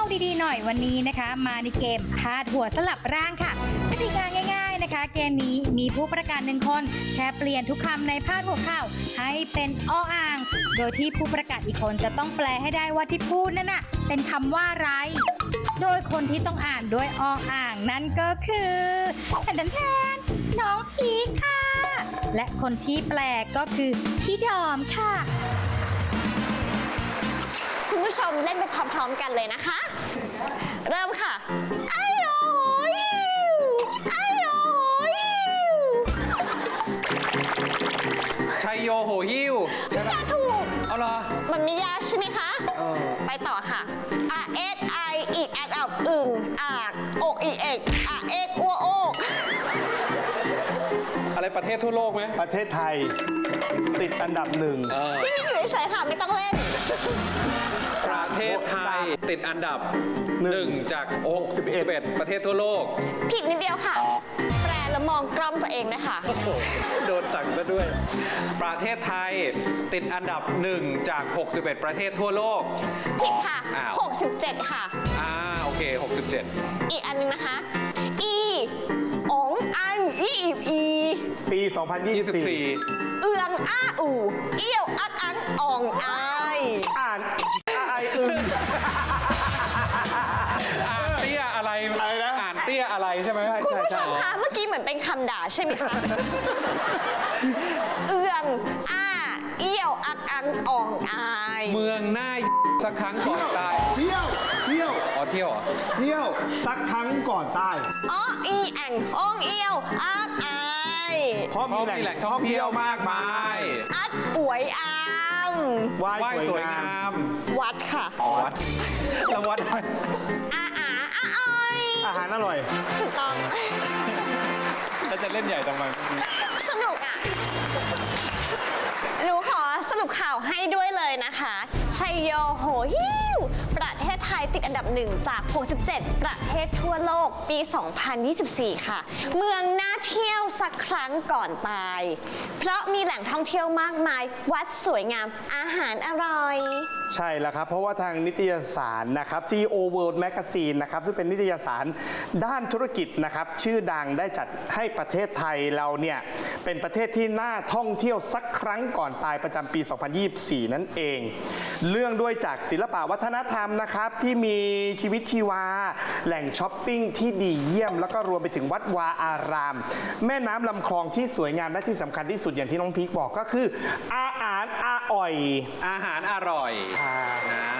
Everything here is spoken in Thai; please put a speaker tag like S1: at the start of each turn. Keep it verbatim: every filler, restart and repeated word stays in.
S1: ดีๆหน่อยวันนี้นะคะ มาในเกมพาดหัวสลับร่างค่ะกติกาง่ายๆนะคะ เกมนี้มีผู้ประกาศหนึ่งคนแค่เปลี่ยนทุกคำในพาดหัวข่าวให้เป็นออ่าง โดยที่ผู้ประกาศอีกคนจะต้องแปลให้ได้ว่าที่พูดนั่นน่ะเป็นคำว่าอะไร โดยคนที่ต้องอ่านด้วยออ่างนั่นก็คือแทนแทนน้องพีคค่ะและคนที่แปลก็คือพี่ดอมค่ะ
S2: คุณผู้ชมเล่นไปพร้อมๆกันเลยนะคะ เริ่มค่ะไอ้โอ้ยไอ้โอ้ย
S3: ชัยโยโหหิ้วใช่ไหม
S2: ถูก
S3: เอาเหรอ
S2: มันไม่ยากใช่ไหมคะ
S3: เออ
S2: ไปต่อค่ะอาเอสไออีกแอดอับอึ่งอากอกอีเอกอาเอกอัวโอก
S3: อะไรประเทศทั่วโลกไหม
S4: ประเทศไทยติดอันดับหนึ่ง
S3: เออ
S2: พี่นี่อยู่เฉยๆค่ะไม่ต้องเล่น
S3: ประเทศไทยติดอันดับหนึ่งจากหกสิบเอ็ดประเทศทั่วโลก
S2: ผิดนิดเดียวค่ะ แปลแล้วมองกล้องตัวเองนะคะ
S3: โอ้โหโดนสั่งซะด้วย ประเทศไทยติดอันดับหนึ่งจากหกสิบเอ็ดประเทศทั่วโลก
S2: ผิดค่ะ
S3: อ้าว
S2: หกสิบเจ็ดค่ะ
S3: อ่าโอเคหกสิบเจ็ด
S2: อีกอันหนึงนะคะ อีองอันอีอีอี
S4: ปี สองพันยี่
S3: ยี่
S4: สิ
S3: สิ
S4: บบ สี่
S3: สี่
S2: เอืองอ้าอู่เอี้ยวอักอันอ่องอาย
S4: อ่านไออึง
S3: อ่านเตี้ยอะไร
S4: อะไรนะ
S3: อ่านเตี้ยอะไรใช่ไหม
S2: คุณผู้ช
S3: ใช่
S2: มคะเมื่อกี้เหมือนเป็นคำด่าใช่ไหมคะ เอืองอ้าเอี้ยวอักอันอ่องอาย
S3: เมืองหน้าสักครั้งก่อนตาย
S4: เที่ยวเที่ยว
S3: อ๋อเที่ยวเหรอ
S4: เที่ยวสักครั้งก่อนตาย
S2: อ้ออีแองอ่องเอี้ยวอักอาย
S4: เพราะ
S3: เพราะมีแหล่งท่องเที่ยวมากมาย
S2: อัดอวยอาม
S4: ไหว้
S3: ไหว้
S4: ส
S3: ส
S4: ว
S3: วย ย
S4: งาง
S3: าม ม
S2: วัดค่ะ
S3: วัดแล้ววัดอะไร
S2: อาอาอาอ้อย
S4: อาหารอร่อย
S2: ถูกต้อง
S3: แล้วจะเล่นใหญ่ทำไม
S2: สนุกอ่ะ หนูขอสรุปข่าวให้ด้วยเลยนะคะ ชัยโยโหฮิวประเทศไทยติดอันดับหนึ่งจาก หกสิบเจ็ด ประเทศทั่วโลกปี สองพันยี่สิบสี่ ค่ะ เมืองน่าเที่ยวสักครั้งก่อนตาย เพราะมีแหล่งท่องเที่ยวมากมาย วัดสวยงาม อาหารอร่อย
S4: ใช่แล้วครับ เพราะว่าทางนิตยสารนะครับ ซี อี โอ World Magazine นะครับซึ่งเป็นนิตยสารด้านธุรกิจนะครับชื่อดังได้จัดให้ประเทศไทยเราเนี่ยเป็นประเทศที่น่าท่องเที่ยวสักครั้งก่อนตายประจำปี สองพันยี่สิบสี่ นั่นเอง เรื่องด้วยจากศิลปะวัฒนธรรมนะครับที่มีชีวิตชีวา แหล่งช้อปปิ้งที่ดีเยี่ยม แล้วก็รวมไปถึงวัดวาอาราม แม่น้ำลำคลองที่สวยงามและที่สำคัญที่สุดอย่างที่น้องพีคบอกก็คืออาหารอาอ่อย
S3: อาหารอร่อย
S4: อ่า
S3: นะ